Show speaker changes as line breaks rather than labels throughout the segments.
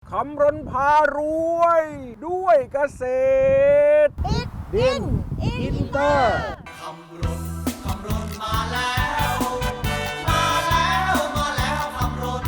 คำรณพารวยด้วยเกษตรดินอินเตอร์
คำรณมาแล้วมาแล้วมาแล้วคำรณ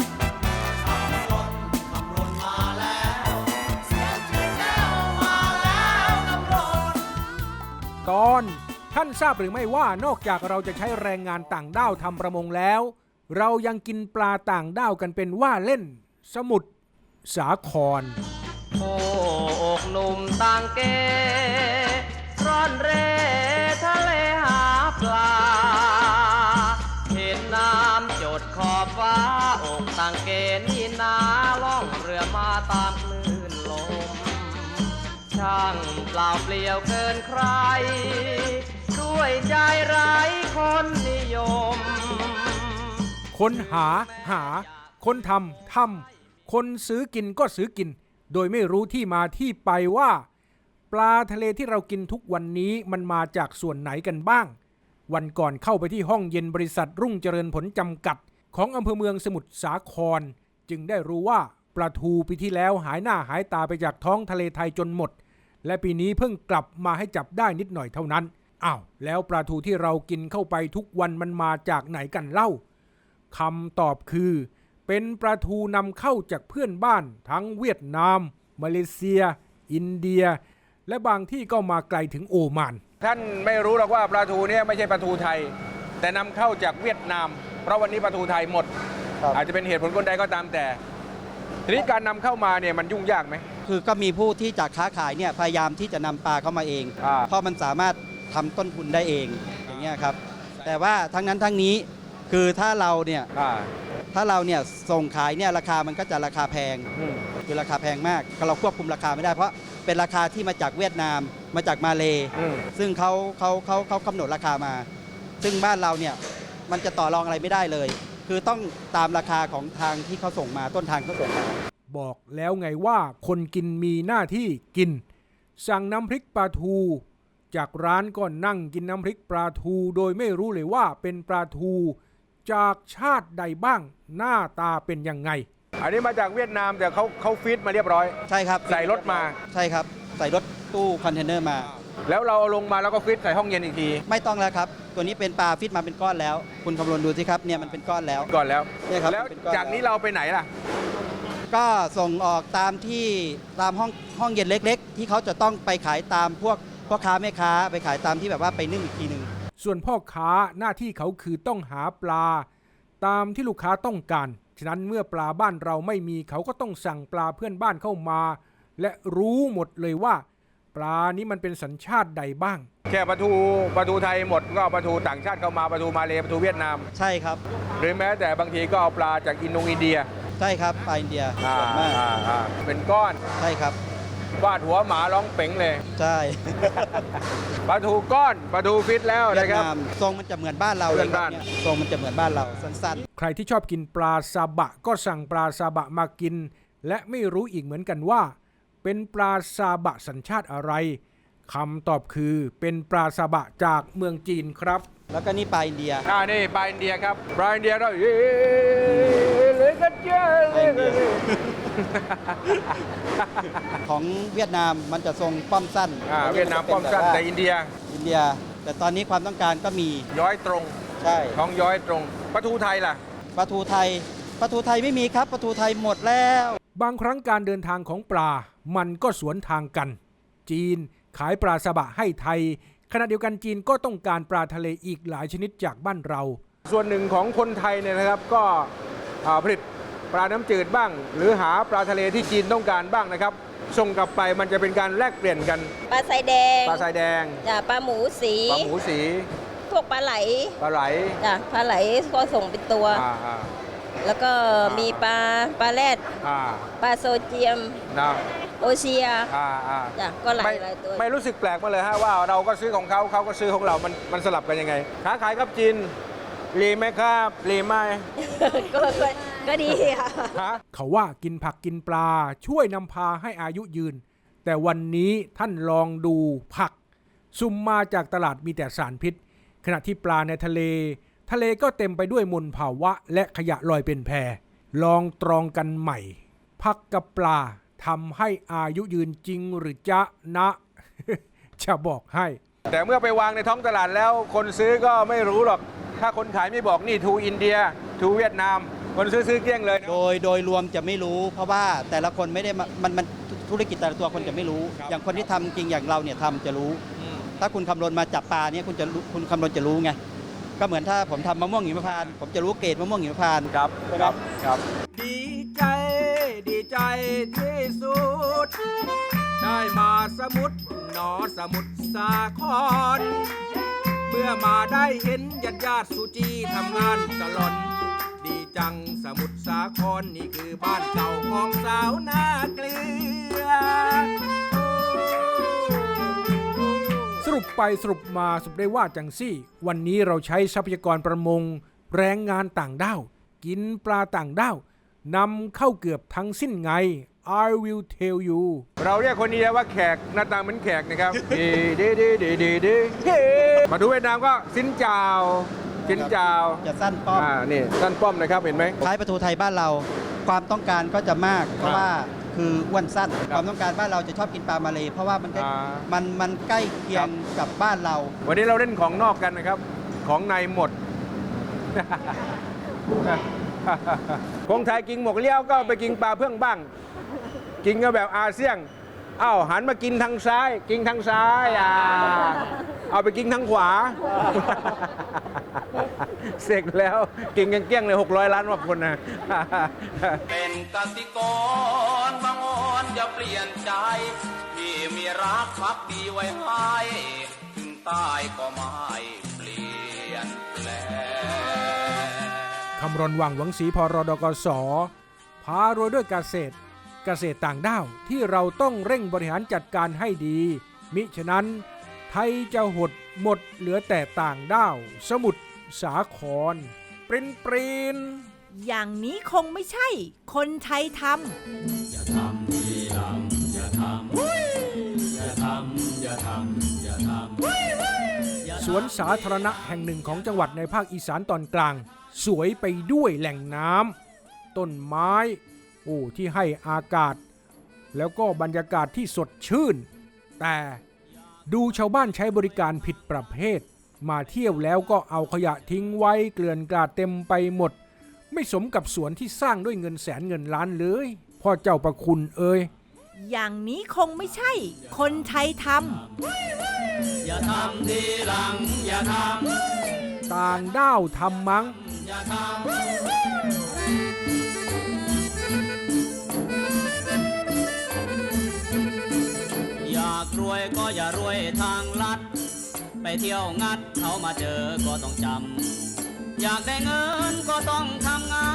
มาแล้วเสียงที่แจ้วมาแล้วคำรณ
ตอนท่านทราบหรือไม่ว่านอกจากเราจะใช้แรงงานต่างด้าวทำประมงแล้ว เรายังกินปลาต่างด้าวกันเป็นว่าเล่นสมุทรสาคร
โอ้อกหนุ่มต่างเกร่อนเร่ทะเลหาปลาเห็นน้ำจดขอบฟ้าอกต่างเกนี่นาล่องเรือมาตามคลื่นลมช่างเปล่าเปลี่ยวเกินใครด้วยใจไร้คนนิยม
คนหาคนทำคนซื้อกินก็ซื้อกินโดยไม่รู้ที่มาที่ไปว่าปลาทะเลที่เรากินทุกวันนี้มันมาจากส่วนไหนกันบ้างวันก่อนเข้าไปที่ห้องเย็นบริษัทรุ่งเจริญผลจำกัดของอำเภอเมืองสมุทรสาครจึงได้รู้ว่าปลาทูปีที่แล้วหายหน้าหายตาไปจากท้องทะเลไทยจนหมดและปีนี้เพิ่งกลับมาให้จับได้นิดหน่อยเท่านั้นอ้าวแล้วปลาทูที่เรากินเข้าไปทุกวันมันมาจากไหนกันเล่าคำตอบคือเป็นปลาทูนำเข้าจากเพื่อนบ้านทั้งเวียดนามมาเลเซียอินเดียและบางที่ก็มาไกลถึงโอมานท่านไม่รู้หรอกว่าปลาทูเนี่ยไม่ใช่ปลาทูไทยแต่นำเข้าจากเวียดนามเพราะวันนี้ปลาทูไทยหมดอาจจะเป็นเหตุผลคนใดก็ตามแต่ทีนี้การนำเข้ามาเนี่ยมันยุ่งยากไหม
คือก็มีผู้ที่จะค้าขายเนี่ยพยายามที่จะนำปลาเข้ามาเองเพราะมันสามารถทำต้นทุนได้เองอย่างเงี้ยครับแต่ว่าทั้งนั้นทั้งนี้คือถ้าเราเนี่ยส่งขายเนี่ยราคามันก็จะราคาแพงคือราคาแพงมากเราควบคุมราคาไม่ได้เพราะเป็นราคาที่มาจากเวียดนามมาจากมาเลซึ่งเขากำหนดราคามาซึ่งบ้านเราเนี่ยมันจะต่อรองอะไรไม่ได้เลยคือต้องตามราคาของทางที่เขาส่งมาต้นทางเขาส่งมา
บอกแล้วไงว่าคนกินมีหน้าที่กินสั่งน้ำพริกปลาทูจากร้านก็นั่งกินน้ำพริกปลาทูโดยไม่รู้เลยว่าเป็นปลาทูจากชาติใดบ้างหน้าตาเป็นยังไงอันนี้มาจากเวียดนามแต่เขาฟีดมาเรียบร้อย
ใช่ครับ
ใส่รถมา
ใช่ครับใส่รถตู้คอนเทนเนอร์มา
แล้วเราเอาลงมาแล้วก็ฟีดใส่ห้องเย็นอีกที
ไม่ต้องแล้วครับตัวนี้เป็นปลาฟีดมาเป็นก้อนแล้วคุณคำนวณดูสิครับเนี่ยมันเป็นก้อนแล้ว
เนี่ยครับแล้วจากนี้เราไปไหนล่ะ
ก็ส่งออกตามที่ตามห้องเย็นเล็กๆที่เขาจะต้องไปขายตามพวกพ่อค้าแม่ค้าไปขายตามที่แบบว่าไปนึ่งอีกทีนึง
ส่วนพ่อค้าหน้าที่เขาคือต้องหาปลาตามที่ลูกค้าต้องการฉะนั้นเมื่อปลาบ้านเราไม่มีเขาก็ต้องสั่งปลาเพื่อนบ้านเข้ามาและรู้หมดเลยว่าปลานี้มันเป็นสัญชาติใดบ้างแค่ปลาทูไทยหมดก็ปลาทูต่างชาติเข้ามาปลาทูมาเลปลาทูเวียดนาม
ใช่ครับ
หรือแม้แต่บางทีก็เอาปลาจากอินเดีย
ใช่ครับปลาอินเดียมาก
เป็นก้อน
ใช่ครับ
วาดหัวหมาร้องเป๋งเลย
ใช่
ปลาทูก้อนปลาทูฟิตแล้วนะครับ
ทรงมันจะเหมือนบ้านเราเลยครับทรงมันจะเหมือนบ้านเราสั้น
ๆใครที่ชอบกินปลาซาบะก็สั่งปลาซาบะมากินและไม่รู้อีกเหมือนกันว่าเป็นปลาซาบะสัญชาติอะไรคำตอบคือเป็นปลาซาบะจากเมืองจีนครับ
แล้วก็นี่ปลาอินเดีย
นี่ปลาอินเดียครับปลาอินเดียเราเลยกันเจอ
ของเวียดนามมันจะทรงป้อมสั้น
เวียดนามป้อมสั้นแต่อินเดีย
แต่ตอนนี้ความต้องการก็มี
ย้อยตรง
ใช่
ท้องย้อยตรงปลาทูไทยล่ะ
ปลาทูไทยไม่มีครับปลาทูไทยหมดแล้ว
บางครั้งการเดินทางของปลามันก็สวนทางกันจีนขายปลาซาบะให้ไทยขณะเดียวกันจีนก็ต้องการปลาทะเลอีกหลายชนิดจากบ้านเราส่วนหนึ่งของคนไทยเนี่ยนะครับก็ผลิตปลาน้ำจืดบ้างหรือหาปลาทะเลที่จีนต้องการบ้างนะครับส่งกลับไปมันจะเป็นการแลกเปลี่ยนกัน
ปลาทรายแดงจ้ะปลาหมูสีพวกปลาไหลจ้ะปลาไหลก็ส่งเป็นตัวแล้วก็มีปลาแรดปลาโซเจียมโอเชียจ้ะก็หลายตัว
ไม่รู้สึกแปลกมาเลยฮะว่าเราก็ซื้อของเขาก็ซื้อของเรามันสลับกันยังไงค้าขายกับจีนรีไหมครับรีไหม
ก็ดี
ค่ะเขาว่ากินผักกินปลาช่วยนำพาให้อายุยืนแต่วันนี้ท่านลองดูผักซุ่มมาจากตลาดมีแต่สารพิษขณะที่ปลาในทะเลก็เต็มไปด้วยมลภาวะและขยะลอยเป็นแพลองตรองกันใหม่ผักกับปลาทำให้อายุยืนจริงหรือจ๊ะนะ จะบอกให้
แต่เมื่อไปวางในท้องตลาดแล้วคนซื้อก็ไม่รู้หรอกถ้าคนขายไม่บอกนี่ทูอินเดียทูเวียดนามคนซื้อเกลี้ยงเลยนะ
โดยรวมจะไม่รู้ เพราะว่าแต่ละคนไม่ได้มันธุรกิจแต่ละตัวคนจะไม่รู้
ครับ
อย่างคนที่ทำจริงอย่างเราเนี่ยทำจะรู้ ถ้าคุณคำนวณมาจับปลาเนี่ยคุณคำนวณจะรู้ไงก็เหมือนถ้าผมทำมะม่วงหิมพานต์ผมจะรู้เกรดมะม่วงหิมพานต์
ครับครับ
ดีใจที่สุด ได้มาสมุทรหนอสมุทรสาคร เมื่อมาได้เห็นญาติสุจีทำงานตลอดดีจังสมุทรสาครนี่คือบ้านเก่าของสาวนาเกลือ สรุปไปสรุปมาสรุปได้ว่าจังซี่วันนี้เราใช้ทรัพยากรประมงแรงงานต่างด้าวกินปลาต่างด้าวนำเข้าเกือบทั้งสิ้นไง I will tell you
เราเรียกคนนี้ว่าแขกหน้าตาเหมือนแขกนะครับ ดีมาดูเวียดนามก็สินเจ้าสินเจ้า
จะสั้นป้อม
นี่สั้นป้อมนะครับเห็นไหม
คล้ายปลาทูไทยบ้านเรา ความต้องการก็จะมาก เพราะว่าคืออ้วนสั้น ความต้องการบ้านเราจะชอบกินปลามาเลเพราะว่ามันใกล้ มันใกล้เคียงกับบ้านเรา
วันนี้เราเล่นของนอกกันนะครับ ของในหมด คนไทยกินหมกเลี้ยวก็ไปกินปลาเพื่องบ้าง กินก็แบบอาเซียนอ้าวหันมากินทางซ้าย กินทางซ้ายเอาไปกินทางขวา เสร็จแล้วกินกันเกลี้ยงเลย600 ล้านกว่าคนนะ
เป็นกสิกรบางอ่อนจะเปลี่ยนใจที่มีรักพักดีไว้ให้ถึงตายก็ไม่เปลี่ยนแปลง
คำรณวังหวังศรีพรดกสพารวยด้วยเกษตรต่างด้าวที่เราต้องเร่งบริหารจัดการให้ดี มิฉะนั้นไทยจะหดหมดเหลือแต่ต่างด้าว สมุทรสาครปริน
อย่างนี้คงไม่ใช่ คนไทยทำ
สวนสาธารณะแห่งหนึ่งของจังหวัดในภาคอีสานตอนกลาง สวยไปด้วยแหล่งน้ำต้นไม้ที่ให้อากาศ แล้วก็บรรยากาศที่สดชื่น แต่ดูชาวบ้านใช้บริการผิดประเภท มาเที่ยวแล้วก็เอาขยะทิ้งไว้เกลื่อนกลาดเต็มไปหมด ไม่สมกับสวนที่สร้างด้วยเงินแสนเงินล้านเลยพ่อเจ้าประคุณเอ่ย
อย่างนี้คงไม่ใช่ คนไทยทำ
อย่าทำทีหลังอย่าทำ
ต่างด้าวทำมั้ง
อย่าทำอยากรวยก็อย่ารวยทางลัดไปเที่ยวงัดเขามาเจอก็ต้องจำอยากได้เงินก็ต้องทำงา